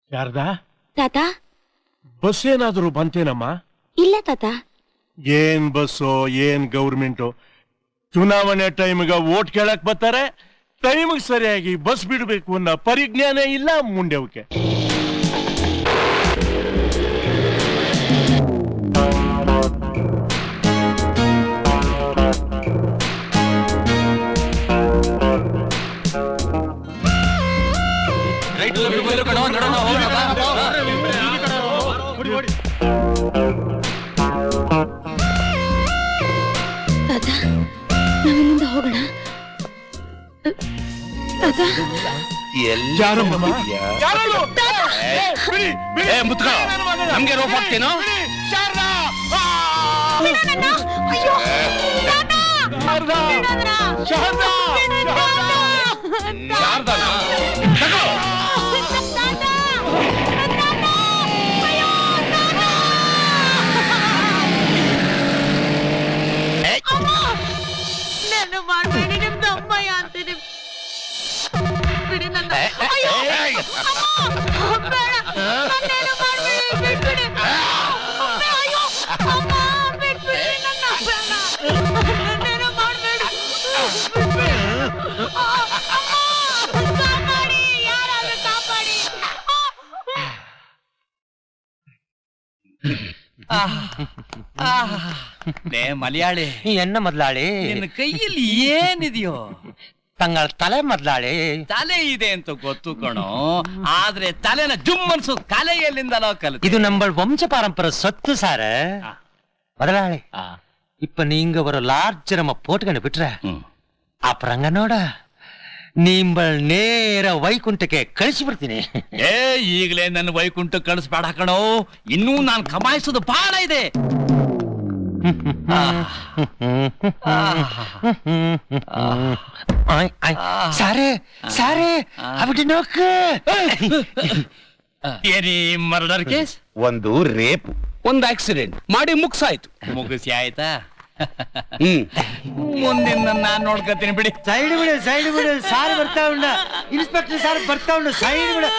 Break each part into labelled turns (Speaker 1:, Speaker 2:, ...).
Speaker 1: ಶಾರದಾ
Speaker 2: ತಾತ,
Speaker 1: ಬಸ್ ಏನಾದರೂ ಬಂತೇನಮ್ಮ?
Speaker 2: ಇಲ್ಲ ತಾತ.
Speaker 1: ಏನ್ ಬಸ್ಸೋ ಏನ್ ಗೌರ್ಮೆಂಟು? ಚುನಾವಣೆ ಟೈಮ್ಗ ವೋಟ್ ಕೇಳಕ್ ಬರ್ತಾರೆ, ಟೈಮ್ಗೆ ಸರಿಯಾಗಿ ಬಸ್ ಬಿಡಬೇಕು ಅನ್ನೋ ಪರಿಜ್ಞಾನ ಇಲ್ಲ ಮುಂಡೆವಕ್ಕೆ.
Speaker 2: ತಾತ, ನಾವಿಲ್ಲಿಂದ ಹೋಗೋಣ. ತಾತ,
Speaker 3: ನಮ್ಗೆ ರೋಪ್ ಹಾಕ್ತೇನೋ?
Speaker 4: ನಾನು ಮಾಡಬೇಡಿ, ನಿಮ್ದು ಅಮ್ಮಯ್ಯ ಅಂತೀನಿ. ಬಿಡಿ ನನ್ನ. ಅಯ್ಯೋ, ಅಮ್ಮ, ಬೇಡ, ನನ್ನೇನು ಮಾಡ್ಬೇಡಿ, ಬಿಟ್ಬಿಡಿ. ಅಯ್ಯೋ, ಅಮ್ಮ, ಬಿಟ್ಬಿಡಿ ನನ್ನ, ಬೇಡ, ನನ್ನೇನು ಮಾಡ್ಬೇಡಿ, ಬಿಟ್ಬಿಡಿ. ಅಮ್ಮ, ಕಾಪಾಡಿ, ಯಾರಾದ್ರೂ ಕಾಪಾಡಿ.
Speaker 3: ಮಲಯಾಳಿ
Speaker 5: ಎನ್ನ ಮೊದ್ಲಾಳಿ,
Speaker 3: ನಿನ್ನ ಕೈಯಲ್ಲಿ ಏನಿದೆಯೋ?
Speaker 5: ತಂಗಳ ತಲೆ ಮೊದ್ಲಾಳಿ.
Speaker 3: ತಲೆ ಇದೆ ಅಂತ ಗೊತ್ತು ಕಣೋ, ಆದ್ರೆ ತಲೆನ ಜುಮ್ ಅನ್ಸೋ ಕಲೆ ಎಲ್ಲಿಂದಲೋ ಕಲಿತು.
Speaker 5: இது நம்ம வம்ச பாரம்பரிய சொத்து சார. முதலாளி, இப்ப நீங்க ஒரு லார்ஜ் நம்ம போட்டுக்கணும் விட்டுற. ಅಪರಂಗನೋಡ ನಿಂಬಳ್ ನೇರ ವೈಕುಂಠಕ್ಕೆ ಕಳಿಸಿ ಬಿಡ್ತೀನಿ.
Speaker 3: ಈಗಲೇ ನನ್ನ ವೈಕುಂಠ ಕಳಿಸ್ಬೇಡ ಕಣೋ, ಇನ್ನೂ ನಾನು ಕಮಾಯಿಸೋದು ಬಹಳ ಇದೆ.
Speaker 5: ಸಾರೇ ಸಾರೇ ಅಬಿಟ್ಟು ನೋಕು.
Speaker 3: Any murder case?
Speaker 6: ಒಂದು ರೇಪ್,
Speaker 3: ಒಂದು ಆಕ್ಸಿಡೆಂಟ್ ಮಾಡಿ ಮುಗಿಸಿ ಆಯ್ತಾ? ಮುಂದಿನ ನಾನ್ ನೋಡ್ಕತೀನಿ ಬಿಡಿ.
Speaker 5: ಸೈಡ್ ಬಿಡು, ಸೈಡ್ ಬಿಡು, ಸಾರ್ ಬರ್ತಾ ಉಂಡ, ಇನ್ಸ್ಪೆಕ್ಟರ್ ಸಾರ್ ಬರ್ತಾ ಉಂಡ, ಸೈಡ್ ಬಿಡು.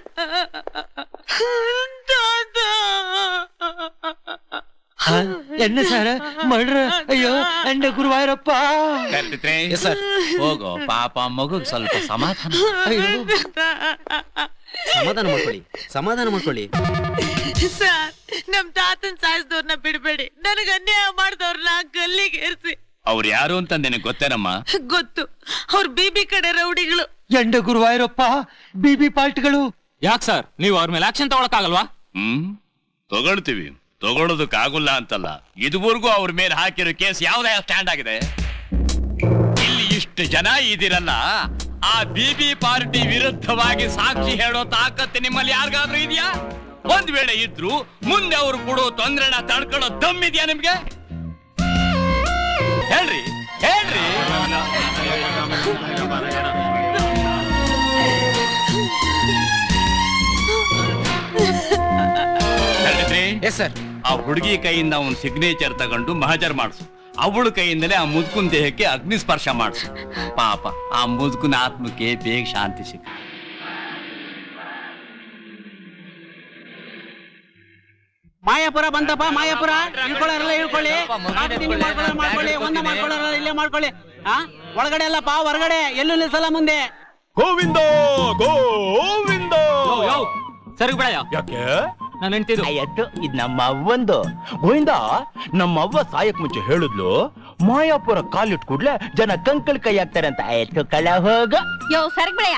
Speaker 5: என்ன சார் மர்டர்? ஐயೋ ಎಂಡ ಗುರುವಾಯರಪ್ಪ.
Speaker 3: ಹೋಗೋ ಪಾಪ ಮಗು ಸ್ವಲ್ಪ ಸಮಾಧಾನ.
Speaker 6: ಸಮಾಧಾನ ಮಾಡ್ಕೊಳ್ಳಿ.
Speaker 4: ಸರ್, ನಮ್ ತಾತನ್ ಸಾಯಿಸಿದವ್ರನ್ನ ಬಿಡ್ಬೇಡಿ, ನನಗ ಅನ್ಯಾಯ ಮಾಡಿದವ್ರನ್ನ ಗಲ್ಲಿಗೆ ಏರಿಸಿ.
Speaker 3: ಅವ್ರು ಯಾರು ಅಂತ ನಿನಗೆ ಗೊತ್ತೇನಮ್ಮ?
Speaker 4: ಗೊತ್ತು, ಅವ್ರ ಬಿಬಿ ಕಡೆ ರೌಡಿಗಳು.
Speaker 5: ಎಂಡ ಗುರುವಾಯರಪ್ಪ, ಬಿಬಿ ಪಾರ್ಟಿಗಳು.
Speaker 7: ಯಾಕೆ ಸರ್, ನೀವು ಅವ್ರ ಮೇಲೆ ಆಕ್ಷನ್ ತಗೊಳಕ್ಕಾಗಲ್ವಾ?
Speaker 3: ತಗೊಳ್ತೀವಿ, ತಗೊಳ್ಳೋದಕ್ಕಾಗಲ್ಲ ಅಂತಲ್ಲ. ಇದುವರೆಗೂ ಅವ್ರ ಮೇಲೆ ಹಾಕಿರೋ ಕೇಸ್ ಯಾವ್ದೇ ಸ್ಟ್ಯಾಂಡ್ ಆಗಿದೆ? ಇಲ್ಲಿ ಇಷ್ಟು ಜನ ಇದಿರಲ್ಲ, ಆ ಬಿಬಿ ಪಾರ್ಟಿ ವಿರುದ್ಧವಾಗಿ ಸಾಕ್ಷಿ ಹೇಳೋ ತಾಕತ್ತು ನಿಮ್ಮಲ್ಲಿ ಯಾರಿಗಾದ್ರೂ ಇದೆಯಾ? ಒಂದ್ ವೇಳೆ ಇದ್ರು ಮುಂದೆ ಅವರು ಕೊಡೋ ತೊಂದರೆನ ತಡ್ಕೊಳ್ಳೋ ದಮ್ಮಿದ್ಯಾ ನಿಮ್ಗೆ? ಹೇಳ್ರಿ ಹೇಳ್ರಿ. ಆ ಹುಡುಗಿ ಕೈಯಿಂದ ಅವನ್ ಸಿಗ್ನೇಚರ್ ತಗೊಂಡು ಮಹಜರ್ ಮಾಡಿಸು. ಅವಳ ಕೈಯಿಂದಲೇ ಆ ಮುದುಕುನ್ ದೇಹಕ್ಕೆ ಅಗ್ನಿ ಸ್ಪರ್ಶ ಮಾಡಿಸು. ಪಾಪ ಆ ಮುದುಕುನ ಆತ್ಮಕ್ಕೆ ಬೇಗ ಶಾಂತಿ ಸಿಕ್ಕ.
Speaker 8: ಮಾಯಾಪುರ ಬಂತಪ್ಪ, ಮಾಯಾಪುರ. ಇಳ್ಕೊಳ್ಳೋರೆಲ್ಲ ಇಳ್ಕೊಳ್ಳಿ, ಮಾಡ್ಕೊಳ್ಳಿ, ಒಂದ ಮಾಡ್ಕೊಳ್ಳೋರೆಲ್ಲ ಇಲ್ಲೇ ಮಾಡ್ಕೊಳ್ಳಿ. ಒಳಗಡೆ ಅಲ್ಲಪ್ಪ, ಹೊರಗಡೆ ಎಲ್ಲೂ ನಿಲ್ಸಲ್ಲ ಮುಂದೆ.
Speaker 1: ಗೋವಿಂದ ಗೋವಿಂದ.
Speaker 7: ಸರಿ ಬಿಡ,
Speaker 1: ಯಾಕೆ?
Speaker 7: ನಾನು ಹೆಂಡ್ತಿದ್ದು.
Speaker 6: ಆಯ್ತು, ಇದ್ ನಮ್ಮ ಅವ್ವಂದು. ಗೋವಿಂದ, ನಮ್ಮ ಅವ್ವ ಸಾಯಕ್ ಮುಂಚೆ ಹೇಳಿದ್ಲು, ಮಾಯಾಪುರ ಕಾಲಿಟ್ ಕೂಡ್ಲೆ ಜನ ಕಂಕಳ್ ಕೈ ಹಾಕ್ತಾರೆ ಅಂತ. ಆಯ್ತು ಕಳ ಹೋಗ.
Speaker 2: ಯೋ ಸರಗ್ ಬಿಡಯ್ಯ.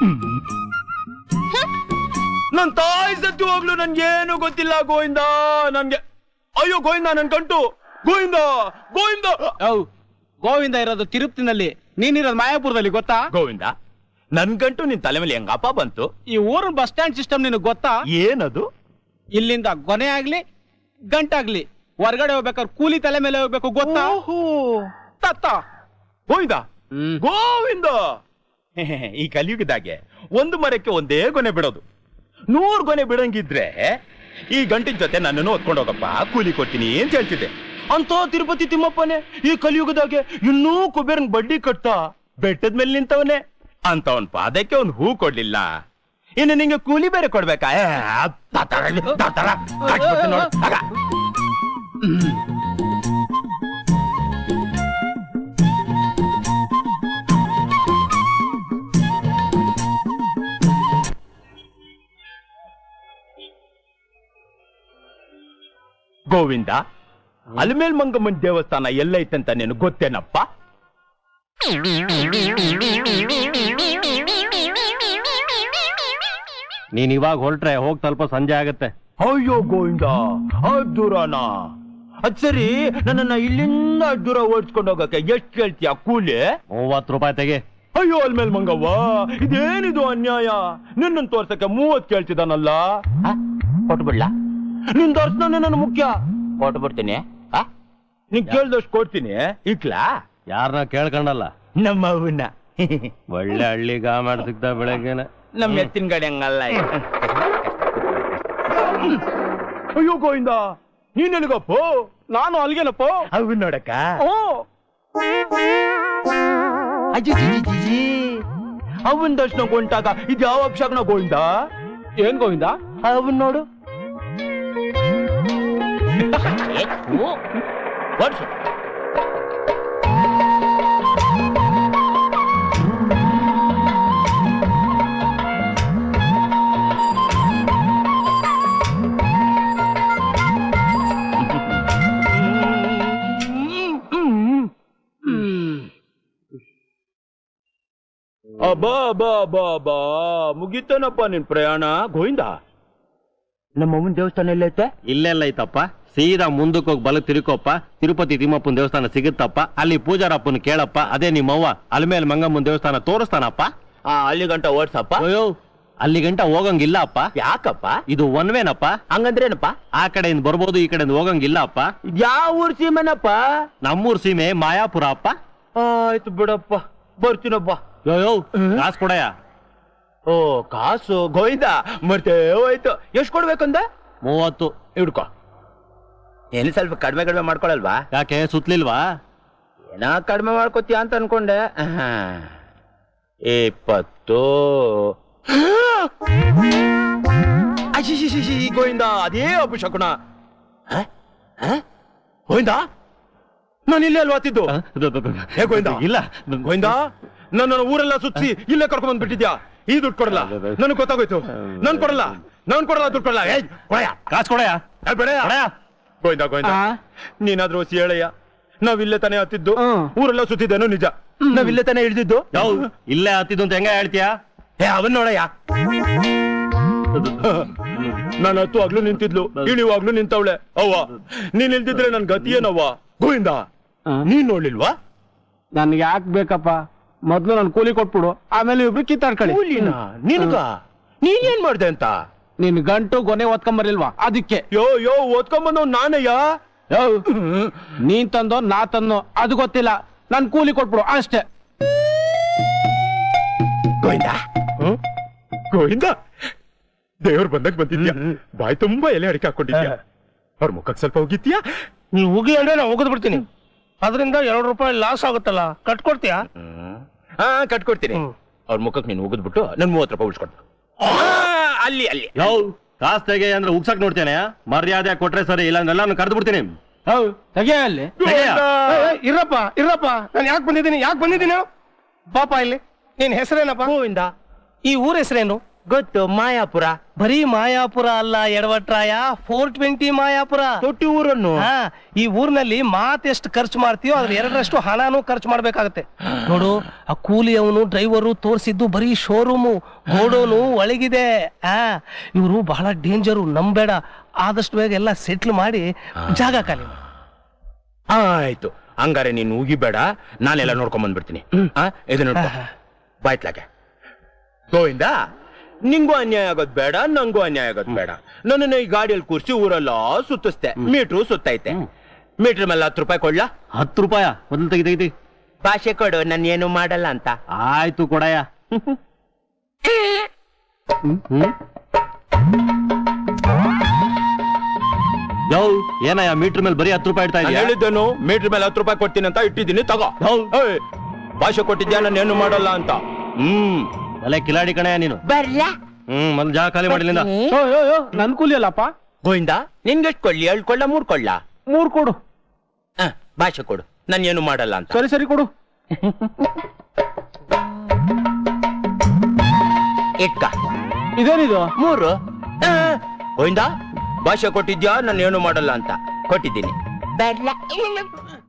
Speaker 1: ನನ್ ತಾಯಿ ಸತ್ತು ಹೋಗ್ಲು ನನ್ಗೇನು ಗೊತ್ತಿಲ್ಲ ಗೋವಿಂದ. ನನ್ಗೆ ಅಯ್ಯೋ ಗೋವಿಂದ, ನನ್ ಕಂಟು. ಗೋವಿಂದ ಗೋವಿಂದ.
Speaker 8: ಗೋವಿಂದ ಇರೋದು ತಿರುಪತಿನಲ್ಲಿ, ನೀನಿರೋದು ಮಾಯಾಪುರದಲ್ಲಿ, ಗೊತ್ತಾ?
Speaker 6: ಗೋವಿಂದ, ನನ್ ಗಂಟು ನಿನ್ ತಲೆ ಮೇಲೆ ಹೆಂಗಪ್ಪ ಬಂತು?
Speaker 8: ಈ ಊರಿನ ಬಸ್ ಸ್ಟ್ಯಾಂಡ್ ಸಿಸ್ಟಮ್ ನಿನಗ್ ಗೊತ್ತಾ?
Speaker 6: ಏನದು?
Speaker 8: ಇಲ್ಲಿಂದ ಗೊನೆ ಆಗ್ಲಿ ಗಂಟಾಗ್ಲಿ ಹೊರಗಡೆ ಹೋಗ್ಬೇಕಾದ್ರೆ ಕೂಲಿ ತಲೆ ಮೇಲೆ ಹೋಗ್ಬೇಕು, ಗೊತ್ತಾ?
Speaker 6: ತತ್ತ ಗೋವಿಂದ ಗೋವಿಂದ. ಈ ಕಲಿಯುಗದಾಗೆ ಒಂದು ಮರಕ್ಕೆ ಒಂದೇ ಗೊನೆ ಬಿಡೋದು. 100 ಗೊನೆ ಬಿಡಂಗಿದ್ರೆ ಈ ಗಂಟಿನ ಜೊತೆ ನನ್ನನ್ನು ಹೊತ್ಕೊಂಡು ಹೋಗಪ್ಪ, ಕೂಲಿ ಕೊಡ್ತೀನಿ ಅಂತ ಹೇಳ್ತಿದ್ದೆ. ಅಂತ ತಿರುಪತಿ ತಿಮ್ಮಪ್ಪನೇ ಈ ಕಲಿಯುಗದಾಗೆ ಇನ್ನೂ ಕುಬೇರನ್ ಬಡ್ಡಿ ಕಟ್ತಾ ಬೆಟ್ಟದ ಮೇಲೆ ನಿಂತವನೇ. ಅಂತವನ್ ಪಾದಕ್ಕೆ ಒಂದು ಹೂ ಕೊಡ್ಲಿಲ್ಲ. ಇನ್ನು ನಿಂಗೆ ಕೂಲಿ ಬೇರೆ ಕೊಡ್ಬೇಕಾ ನೋಡು ಆಗ. ಗೋವಿಂದ, ಅಲ್ಮೇಲ್ ಮಂಗಮ್ಮನ ದೇವಸ್ಥಾನ ಎಲ್ಲೈತಂತ ನೀನು ಗೊತ್ತೇನಪ್ಪ?
Speaker 5: ನೀನ್ ಇವಾಗ ಹೊರಟ್ರೆ ಹೋಗ್ ಸ್ವಲ್ಪ ಸಂಜೆ ಆಗತ್ತೆ.
Speaker 6: ಅಯ್ಯೋ ಗೋವಿಂದ, ಅದ್ ದೂರನಾ? ಅದ್ ಸರಿ, ನನ್ನನ್ನ ಇಲ್ಲಿಂದ ಅದ್ ದೂರ ಓಡಿಸ್ಕೊಂಡು ಹೋಗಕ್ಕೆ ಎಷ್ಟು ಕೇಳ್ತೀಯ ಕೂಲಿ?
Speaker 5: 30 ರೂಪಾಯಿ ತೆಗೆ.
Speaker 6: ಅಯ್ಯೋ ಅಲ್ಮೇಲ್ ಮಂಗವ್ವ, ಇದೇನಿದು ಅನ್ಯಾಯ? ನಿನ್ನನ್ನು ತೋರ್ಸಕ್ಕೆ 30 ಕೇಳ್ತಿದ್ದಾನಲ್ಲ. ಕೊಟ್ಬಿಡ್ಲ? ನಿನ್ ದರ್ಶನ ನನ್ನ ಮುಖ್ಯ. ಕೊಟ್ಬಿಡ್ತೀನಿ. ನೀನ್ ಕೇಳ್ದಷ್ಟು ಕೊಡ್ತೀನಿ. ಇಕ್ಲಾ?
Speaker 5: ಯಾರನ್ನ ಕೇಳ್ಕೊಂಡಲ್ಲ,
Speaker 6: ನಮ್ಮ ಅವನ್ನ.
Speaker 5: ಒಳ್ಳೆ ಹಳ್ಳಿ ಗಾ ಮಾಡಿ ಸಿಗ್ತಾ ಬೆಳಗ್ಗೆನೆ.
Speaker 6: ನಮ್ಮ ಎತ್ತಿನ ಗಾಡಿ ಹಂಗಲ್ಲ. ಅಯ್ಯೋ ಗೋವಿಂದ, ನೀನ್ ಎಲ್ಲಿಗಪ್ಪ?
Speaker 8: ನಾನು ಅಲ್ಗೇನಪ್ಪ.
Speaker 6: ಅವ್ ನೋಡಕ್ಕ. ಅವನ್ ದರ್ಶನ ಕೊಂಟಾಗ ಇದು ಯಾವ ಅಕ್ಷರನ ಗೋವಿಂದ?
Speaker 8: ಏನ್ ಗೋವಿಂದ?
Speaker 6: ಅವನ್ ನೋಡು. ವರ್ಷ ಅಬ್ಬಾ ಮುಗಿತನಪ್ಪ ನಿನ್ ಪ್ರಯಾಣ ಗೋವಿಂದ. ನಮ್ಮಮ್ಮನ ದೇವಸ್ಥಾನ ಎಲ್ಲೈತೆ?
Speaker 5: ಇಲ್ಲೆಲ್ಲ ಐತಪ್ಪ. ಸೀದಾ ಮುಂದಕ್ಕೆ ಹೋಗಿ ಬಲ ತಿರುಕೋಪ್ಪ. ತಿರುಪತಿ ತಿಮ್ಮಪ್ಪನ ದೇವಸ್ಥಾನ ಸಿಗುತ್ತಪ್ಪ. ಅಲ್ಲಿ ಪೂಜಾರಪ್ಪನ ಕೇಳಪ್ಪ. ಅದೇ ನಿಮ್ಮವ್ವ ಅಲ್ಮೇಲ್ ಮಂಗಮ್ಮನ ದೇವಸ್ಥಾನ ತೋರಿಸ್ತಾನಪ್ಪ.
Speaker 6: ಅಲ್ಲಿ ಗಂಟ ಓಡ್ಸಪ್ಪ.
Speaker 5: ಅಯ್ಯೋ, ಅಲ್ಲಿ ಗಂಟ ಹೋಗಂಗಿಲ್ಲ ಅಪ್ಪ.
Speaker 6: ಯಾಕಪ್ಪ?
Speaker 5: ಇದು ಒನ್ವೇನಪ್ಪ.
Speaker 6: ಹಂಗಂದ್ರೇನಪ್ಪ?
Speaker 5: ಆ ಕಡೆಯಿಂದ ಬರ್ಬೋದು, ಈ ಕಡೆಯಿಂದ ಹೋಗಂಗಿಲ್ಲ ಅಪ್ಪ.
Speaker 6: ಯಾವ ಊರ್ ಸೀಮೆನಪ್ಪ?
Speaker 5: ನಮ್ಮೂರ್ ಸೀಮೆ ಮಾಯಾಪುರ ಅಪ್ಪ.
Speaker 6: ಆಯ್ತು ಬಿಡಪ್ಪ, ಬರ್ತೀನಪ್ಪ.
Speaker 5: ಅಯ್ಯೋ, ಕಾಸು ಕೊಡಯ್ಯ.
Speaker 6: ಓ ಕಾಸು ಗೋವಿಂದ ಮತ್ತೆ ಹೋಯ್ತು. ಎಷ್ಟು ಕೊಡ್ಬೇಕಂದ?
Speaker 5: 30.
Speaker 6: ಹಿಡ್ಕೊ. ಏನು ಸ್ವಲ್ಪ ಕಡಿಮೆ ಮಾಡ್ಕೊಳಲ್ವಾ?
Speaker 5: ಯಾಕೆ ಸುತ್ಲಿಲ್ವಾ?
Speaker 6: ಏನ ಕಡಿಮೆ ಮಾಡ್ಕೋತೀಯ ಅಂತ ಅನ್ಕೊಂಡೆ. 20. ಗೋವಿಂದ, ಅದೇ ಅಪಶಕುನ. ಗೋವಿಂದ, ನಾನು ಇಲ್ಲೇ ಅಲ್ವಾ ಆತಿದ್ದು? ಹೇ ಗೋವಿಂದ,
Speaker 5: ಇಲ್ಲ
Speaker 6: ಗೋವಿಂದ, ನನ್ನ ಊರೆಲ್ಲ ಸುತ್ತಿ ಇಲ್ಲೇ ಕರ್ಕೊಂಡ್ ಬಂದ್ಬಿಟ್ಟಿದ್ಯಾ. ಈ ದುಡ್ಡು ಕೊಡಲ್ಲ, ನನಗೆ ಗೊತ್ತಾಗೋಯ್ತು. ನಾನ್ ಕೊಡಲ್ಲ ದುಡ್ಡು ಕೊಡಲ್ಲ.
Speaker 5: ಕಾಸು ಕೊಡಯ್ಯ.
Speaker 6: ಬೇಡ ಗೋವಿಂದ, ನೀನಾದ್ರೂ ಹೊಸಿ ಹೇಳಯ್ಯ. ನಾವಿಲ್ಲೇ ತಾನೇ ಹತ್ತಿದ್ದು, ಊರೆಲ್ಲ ಸುತ್ತಿದ್ದೇನೋ ನಿಜ. ನಾವಿಲ್ಲೇ ತಾನೇ ಹಿಡಿದಿದ್ದು.
Speaker 5: ಇಲ್ಲೇ ಹತ್ತಿದ್ದು ಅಂತ ಹೆಂಗ ಹೇಳ್ತೀಯಾ?
Speaker 6: ಅವನ್ ನೋಡಯ್ಯ, ನಾನು ಹತ್ತುವಾಗ್ಲೂ ನಿಂತಿದ್ಲು, ಇಳಿಯುವಾಗ್ಲೂ ನಿಂತವಳೆ. ಅವ್ವ, ನೀನ್ ನಿಲ್ದಿದ್ರೆ ನನ್ ಗತಿ ಏನವ್ವ? ಗೋವಿಂದ, ನೀನ್ ನೋಡ್ಲಿಲ್ವಾ?
Speaker 8: ನನ್ಗೆ ಯಾಕೆ ಬೇಕಪ್ಪ? ಮೊದ್ಲು ನನ್ ಕೂಲಿ ಕೊಟ್ಬಿಡು, ಆಮೇಲೆ ಇಬ್ರು ಕಿತ್ತಾಡ್ಕೊಳ್ಳಿ.
Speaker 6: ಕೂಲಿನ ನಿನ್ಗ? ನೀನ್ ಏನ್ ಮಾಡ್ದೆ ಅಂತ?
Speaker 8: ನಿನ್ ಗಂಟು ಗೊನೆ ಓದ್ಕೊಂಬರ್ಲಿಲ್ವಾ? ಅದಕ್ಕೆ.
Speaker 6: ಯೋ ಓದ್ಕೊಂಬಂದವ್ ನಾನಯ್ಯ.
Speaker 8: ನೀನ್ ತಂದೋ ನಾ ತಂದೋ ಅದು ಗೊತ್ತಿಲ್ಲ, ನನ್ ಕೂಲಿ ಕೊಟ್ಬಿಡು ಅಷ್ಟೇ.
Speaker 6: ಗೋವಿಂದ, ದೇವ್ರು ಬಂದಾಗ ಬಂದಿದ್ಯಾ. ಬಾಯಿ ತುಂಬಾ ಎಲೆ ಅಡಿಕೆ ಹಾಕೊಂಡಿದ್ಯಾ. ಅವ್ರ ಮುಖಕ್ಕೆ ಸ್ವಲ್ಪ ಹೋಗಿದ್ಯಾ?
Speaker 8: ನೀವ್ ಹೋಗಿ ಅಂದ್ರೆ ನಾ ಹೋಗದ್ ಬಿಡ್ತೀನಿ. ಅದರಿಂದ 2 ರೂಪಾಯಿ ಲಾಸ್ ಆಗುತ್ತಲ್ಲ, ಕಟ್ಕೊಡ್ತೀಯಾ?
Speaker 6: ಕಟ್ಕೊಡ್ತೀನಿ. ಅವ್ರ ಮುಖಕ್ಕೆ ನೀನು ಹೋಗದ್ಬಿಟ್ಟು ನನ್ 30 ರೂಪಾಯಿ ಉಳಿಸ್ಕೊಡ್ತು. ಅಲ್ಲಿ
Speaker 5: ಕಾಸು ತೆಗೆ ಅಂದ್ರೆ ಉಗ್ಸಕ್ ನೋಡ್ತೇನೆ. ಮರ್ಯಾದೆ ಕೊಟ್ರೆ ಸರಿ, ಇಲ್ಲ ಎಲ್ಲಾನು ಕರೆದು ಬಿಡ್ತೀನಿ.
Speaker 8: ತೆಗೆಯ ಅಲ್ಲಿ. ಇರಪ್ಪ, ನಾನು ಯಾಕೆ ಬಂದಿದ್ದೀನಿ ಪಾಪ. ಇಲ್ಲಿ ನಿನ್ ಹೆಸರೇನಪ್ಪ?
Speaker 6: ಗೋವಿಂದ.
Speaker 8: ಈ ಊರ ಹೆಸರೇನು?
Speaker 6: ಗೊತ್ತು, ಮಾಯಾಪುರ.
Speaker 8: ಬರೀ ಮಾಯಾಪುರ ಅಲ್ಲ ಎಡವಟ್ರಾಯ, 420 ಮಾಯಾಪುರ.
Speaker 6: ತೊಟ್ಟಿ ಊರನ್ನು.
Speaker 8: ಈ ಊರಿನಲ್ಲಿ ಮಾತೆಷ್ಟು ಖರ್ಚು ಮಾಡ್ತೀಯೋ ಅದ್ರ 2ರಷ್ಟು ಹಣನೂ ಖರ್ಚು ಮಾಡ್ಬೇಕಾಗತ್ತೆ. ನೋಡು, ಆ ಕೂಲಿಯವನು ಡ್ರೈವರು ತೋರಿಸಿದ್ದು ಬರೀ ಶೋರೂಮು, ಗೋಡೋನು ಒಳಗಿದೆ. ಇವರು ಬಹಳ ಡೇಂಜರು, ನಂಬೇಡ. ಆದಷ್ಟು ಬೇಗ ಎಲ್ಲ ಸೆಟ್ಲ್ ಮಾಡಿ ಜಾಗ ಖಾಲಿ ಮಾಡು.
Speaker 6: ಆಯ್ತು, ಹಂಗಾರೆ ನೀನು ಉಗಿಬೇಡ, ನಾನೆಲ್ಲ ನೋಡ್ಕೊಂಡ್ ಬಂದ್ಬಿಡ್ತೀನಿ. ಇದು ನೋಡ್ಕೊ, ಬಾಯ್ತ್ಲಾಗೆ. ಗೋವಿಂದ, ನಿಂಗೂ ಅನ್ಯಾಯ ಆಗೋದ್ ಬೇಡ, ನಂಗೂ ಅನ್ಯಾಯ ಆಗೋದ್ ಬೇಡ. ನನ್ನನ್ನ ಈ ಗಾಡಿಯಲ್ಲಿ ಕೂರ್ಸಿ ಊರೆಲ್ಲ ಸುತ್ತಿಸ್ತೆ. ಮೀಟ್ರು ಸುತ್ತೈತೆ. ಮೀಟ್ರ್ ಮೇಲೆ 10 ರೂಪಾಯಿ ಕೊಡ್ಲಾ?
Speaker 5: 10 ರೂಪಾಯ ಮೊದಲು ತೆಗಿತಿ.
Speaker 6: ಭಾಷೆ ಕೊಡು, ನಾನು ಏನು ಮಾಡಲ್ಲ ಅಂತ.
Speaker 5: ಆಯ್ತು ಕೊಡಯ್ಯ. ಏನಯ್ಯ ಮೀಟರ್ ಮೇಲೆ ಬರೀ 10 ರೂಪಾಯಿ ಇಡ್ತಾ ಇದೀಯ?
Speaker 6: ಹೇಳಿದ್ದೇನು, ಮೀಟ್ರ್ ಮೇಲೆ 10 ರೂಪಾಯಿ ಕೊಡ್ತೀನಿ ಅಂತ ಇಟ್ಟಿದ್ದೀನಿ, ತಗೋ. ಭಾಷೆ ಕೊಟ್ಟಿದ್ಯಾ, ನಾನು ಏನು ಮಾಡಲ್ಲ ಅಂತ.
Speaker 5: ಅಲ್ಲೇ ಕಿಲಾಡಿ ಕಣಯ್ಯ ನೀನು.
Speaker 6: ಬರ್ಲ
Speaker 5: ಮೊದ್ಲು ಜಾಗ ಖಾಲಿ ಮಾಡಿಲಿಂದ.
Speaker 8: ನನ್ ಕೂಲಿ ಅಲ್ಲಪ್ಪ.
Speaker 6: ಗೋವಿಂದ ನಿನ್ಗೆಷ್ಟು ಕೊಳ್ಳಿ 2 ಕೊಳ್ಳ 3 ಕೊಳ್ಳ?
Speaker 8: 3 ಕೊಡು.
Speaker 6: ಭಾಷೆ ಕೊಡು, ನಾನು ಏನು ಮಾಡಲ್ಲ ಅಂತ.
Speaker 8: ಸರಿ ಕೊಡು.
Speaker 6: ಇಟ್ಕ
Speaker 8: ಇದೇನಿದು?
Speaker 6: 3. ಗೋವಿಂದ ಭಾಷೆ ಕೊಟ್ಟಿದ್ಯಾ, ನಾನು ಏನು ಮಾಡಲ್ಲ ಅಂತ. ಕೊಟ್ಟಿದ್ದೀನಿ.